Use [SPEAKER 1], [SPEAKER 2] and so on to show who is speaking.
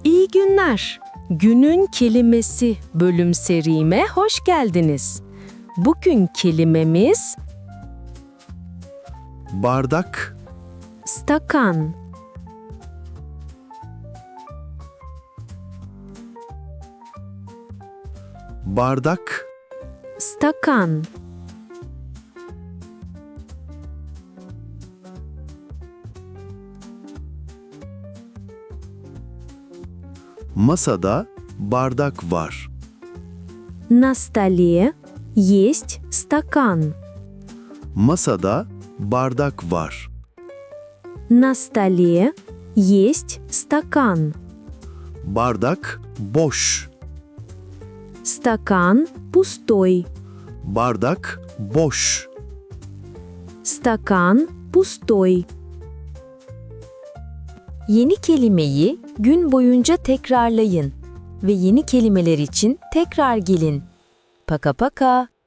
[SPEAKER 1] İyi günler. Günün kelimesi bölüm serime hoş geldiniz. Bugün kelimemiz
[SPEAKER 2] Bardak,
[SPEAKER 1] stakan.
[SPEAKER 2] bardak,
[SPEAKER 1] Stakan.
[SPEAKER 2] masada bardak var.
[SPEAKER 1] На столе есть стакан.
[SPEAKER 2] Masada bardak var.
[SPEAKER 1] На столе есть стакан.
[SPEAKER 2] Bardak boş.
[SPEAKER 1] Стакан пустой.
[SPEAKER 2] Bardak boş.
[SPEAKER 1] Стакан пустой.
[SPEAKER 3] Yeni kelimeyi gün boyunca tekrarlayın ve yeni kelimeler için tekrar gelin. Paka paka.